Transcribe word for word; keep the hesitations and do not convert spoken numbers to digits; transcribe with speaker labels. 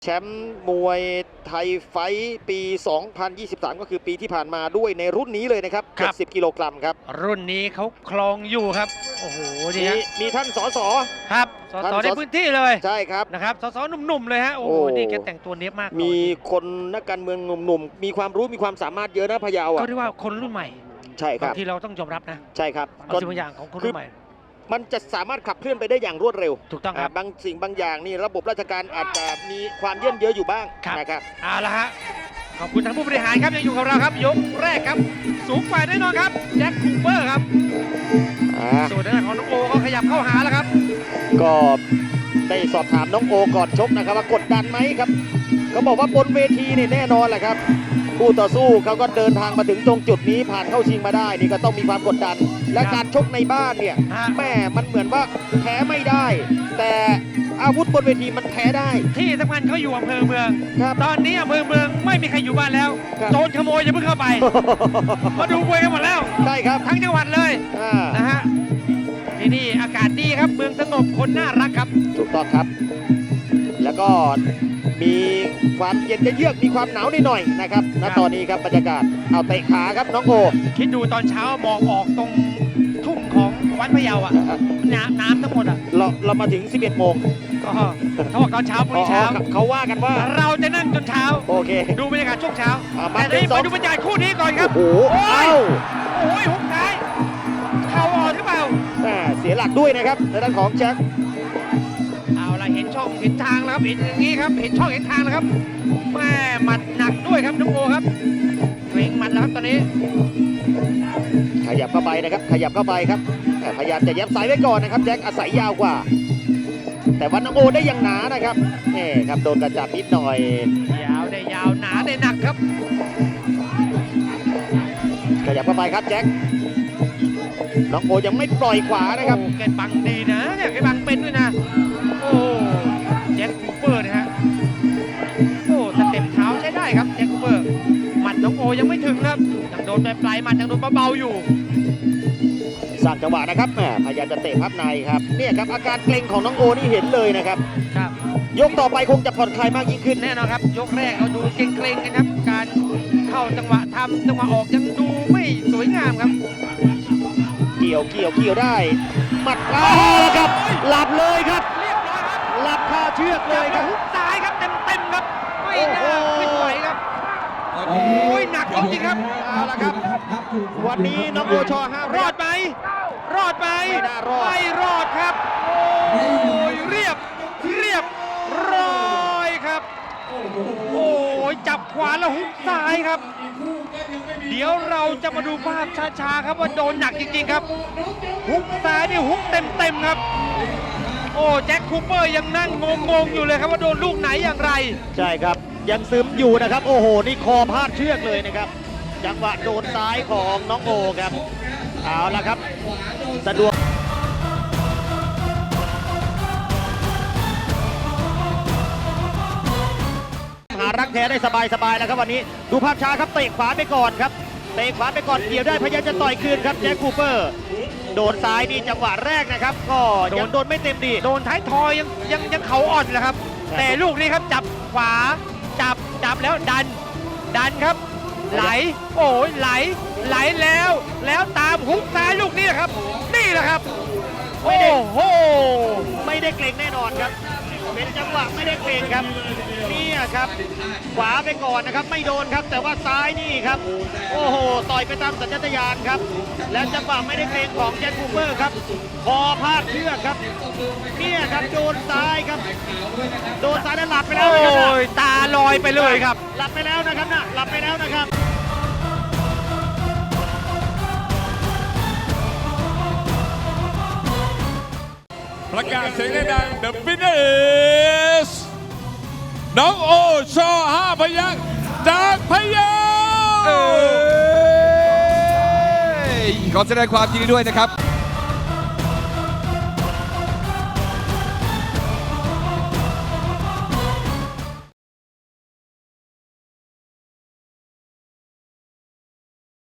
Speaker 1: แชมป์มวยไทยไฟท์ปี สองพันยี่สิบสาม ก็คือปีที่ผ่านมาด้วยในรุ่นนี้เลยนะครับเจ็ดสิบกิโลกรัมครับ
Speaker 2: รุ่นนี้เขาคลองอยู่ครับโอ้โหนี่ฮะ
Speaker 1: มีท่านสส
Speaker 2: ครับสสในพื้นที่เลย
Speaker 1: ใช่ครับ
Speaker 2: นะครับสสหนุ่มๆเลยฮะโอ้โหนี่แกแต่งตัวเนี้ยมาก
Speaker 1: มีคนนักการเมืองหนุ่มๆมีความรู้มีความสามารถเยอะนะพะเยาอ่ะ
Speaker 2: ก็เรียกว่าคนรุ่นใหม่
Speaker 1: ใช่ครับ
Speaker 2: ที่เราต้องยอมรับนะ
Speaker 1: ใช่ครับ
Speaker 2: บางสิ่งบางอย่างของคนรุ่นใหม่
Speaker 1: มันจะสามารถขับเคลื่อนไปได้อย่างรวดเร็ว
Speaker 2: ถูกต้องครับ
Speaker 1: บางสิ่งบางอย่างนี่ระบบราชการอาจจะมีความเยื่นเยอะอยู่บ้างนะครับ
Speaker 2: เอาละฮะขอบคุณท่านผู้บริหารครับยังอยู่กับเราครับยกแรกครับสูงกว่าแน่นอนครับแจ็คคูเปอร์ครับส่วนทางด้านของน้องโอก็ขยับเข้าหาแล้วครับ
Speaker 1: ก็ได้สอบถามน้องโอก่อนชกนะครับว่ากดดันไหมครับเขาบอกว่าบนเวทีนี่แน่นอนแหละครับคู่ต่อสู้เขาก็เดินทางมาถึงตรงจุดนี้ผ่านเข้าชิงมาได้นี่ก็ต้องมีความกดดันและการชกในบ้านเนี่ยแม่มันเหมือนว่าแพ้ไม่ได้แต่อาวุธบนเวทีมันแพ้ได้
Speaker 2: ที่สำคัญเขาอยู่อำเภอเมืองตอนนี้อำเภอเมืองไม่มีใครอยู่บ้านแล้วโจรขโมยอย่าเพิ่งเข้าไปมาดูมวยกันหมดแล้ว
Speaker 1: ใช่ครับ
Speaker 2: ทั้งจังหวัดเลยนะฮะที่นี่อากาศดีครับเมืองสงบคนน่ารักครับ
Speaker 1: ถูกต้องครับแล้วก็มีความเย็นเยือกมีความหนาวนิดหน่อยนะครับณตอนนี้ครับบรรยากาศเอาเตะขาครับน้องโอ
Speaker 2: คิดดูตอนเช้ามองออกตรงทุ่งของวัดพะเยาอ่ะน้ำน้ำทั้งหมดอ่ะ
Speaker 1: เราเรามาถึงสิบเอ็ดโมง
Speaker 2: ก็เขาบอกตอนเช้าพรุ่งนี้เช้า
Speaker 1: เขาว่ากันว่า
Speaker 2: เราจะนั่งจนเช้า
Speaker 1: โอเค
Speaker 2: ดูบรรยากาศช่วงเช้าแต่นี้มาดูบรรยากาศคู่นี้ก่อนครับ
Speaker 1: โอ้โหเอ้า
Speaker 2: โอ้ยหุบท้ายเข่าอ่อนหรือเปล่า
Speaker 1: เสียหลักด้วยนะครับในด้านของแจ็ค
Speaker 2: เอาละเห็นช่องเห็นทางแล้วครับเห็นอย่างนี้ครับเห็นช่องเห็นทางแล้วครับแม่หมัดหนักด้วยครับน้องโอครับเร่งหมัดแล้วครับตอนนี้
Speaker 1: ขยับเข้าไปนะครับขยับเข้าไปครับพยายามจะยับสายไว้ก่อนนะครับแจ็คอาศัยยาวกว่าแต่วันน้องโอได้ยังหนานะครับนี่ครับโดนกระจับนิดหน่อย
Speaker 2: ยาวได้ยาวหนาได้หนักครับ
Speaker 1: ขยับเข้าไปครับแจ็คน้องโอยังไม่ปล่อยขวานะครับ
Speaker 2: แกบังดีนะเนี่ยแกบังเป็นด้วยนะโอ้แจ็คคูเปอร์นะฮะโอ้สเต็ปเท้าใช้ได้ครับแจ็คคูเปอร์หมัดน้องโอยังไม่ถึงครับยังโดนปลายหมัดยังโดนเบาๆอยู่
Speaker 1: สร้างจังหวะนะครับแหมพยายามจะเตะพับในครับเนี่ยครับอาการเกร็งของน้องโอนี่เห็นเลยนะครับ
Speaker 2: ครับ
Speaker 1: ยกต่อไปคงจะผ่อนคลายมากยิ่งขึ้น
Speaker 2: แน่นอนครับยกแรกเราดูเกร็งๆกันครับการเข้าจังหวะทำจังหวะออกยังดูไม่สวยงามครับ
Speaker 1: เกี่ยวเกี่ยวเกี่ยวได้หมัดขวาครับหลับเลยครับ
Speaker 2: เรียบร้อยครับ
Speaker 1: หลับคาเชือกเลยครับ
Speaker 2: หุบซ้ายครับเต็มเต็มครับไม่น่าขึ้นไหวครับโอ้ยหนักจริงครับ
Speaker 1: เอาละครับวันนี้น้องโอชอห้าร
Speaker 2: อดไหมรอดไหม
Speaker 1: ไม่น่ารอด
Speaker 2: ไม่รอดครับโอ้ยเรียบเรียบร้อยครับโอ้ยจับขวาแล้วหุบซ้ายครับเดี๋ยวเราจะมาดูภาพช้าๆครับว่าโดนหนักจริงๆครับหุบซ้ายนี่หุบเต็มๆครับโอ้แจ็คคูเปอร์ยังนั่งงงๆอยู่เลยครับว่าโดนลูกไหนอย่างไร
Speaker 1: ใช่ครับยังซึมอยู่นะครับโอ้โหนี่คอพาดเชือกเลยนะครับจังหวะโดนซ้ายของน้องโอครับเอาละครับสะดวกหารักแท้ได้สบายๆแล้วครับวันนี้ดูภาพช้าครับเตะขวาไปก่อนครับเตะขวาไปก่อนเกี่ยวได้พยายามจะต่อยคืนครับแจ็คคูเปอร์โดนซ้ายนี่จังหวะแรกนะครับก็ยังโดนไม่เต็มดี
Speaker 2: โดนท้ายทอยยังยังยังเขาอ่อนแหละครับแต่ลูกนี้ครับจับขวาจับจับแล้วดันดันครับไหลโอ้ยไหลไหลแล้วแล้วตามหุบซ้ายลูกนี้นะครับนี่แหละครับโอ้โห
Speaker 1: ไม่ได้เกรงแน่นอนครับเป็นจังหวะไม่ได้เกรงครับนี่ครับขวาไปก่อนนะครับไม่โดนครับแต่ว่าซ้ายนี่ครับโอ้โหต่อยไปตามสัญชาตญาณครับแล้วจังหวะไม่ได้เกรงของแจ็คคูเปอร์ครับคอพาดเชือกครับเนี่ยครับโดนซ้ายครับโดนซ้ายแล้วหลับไปแล้ว
Speaker 2: โอ้ยตาลอยไปเลยครับ
Speaker 1: หลับไปแล้วนะครับนะหลับไปแล้วนะครับ
Speaker 3: ประกาศเสียงดัง The winner is น้องโอชอห้าพยัคฆ์จากพะเยา
Speaker 4: ขอแสดงความยินดีด้วยนะครับ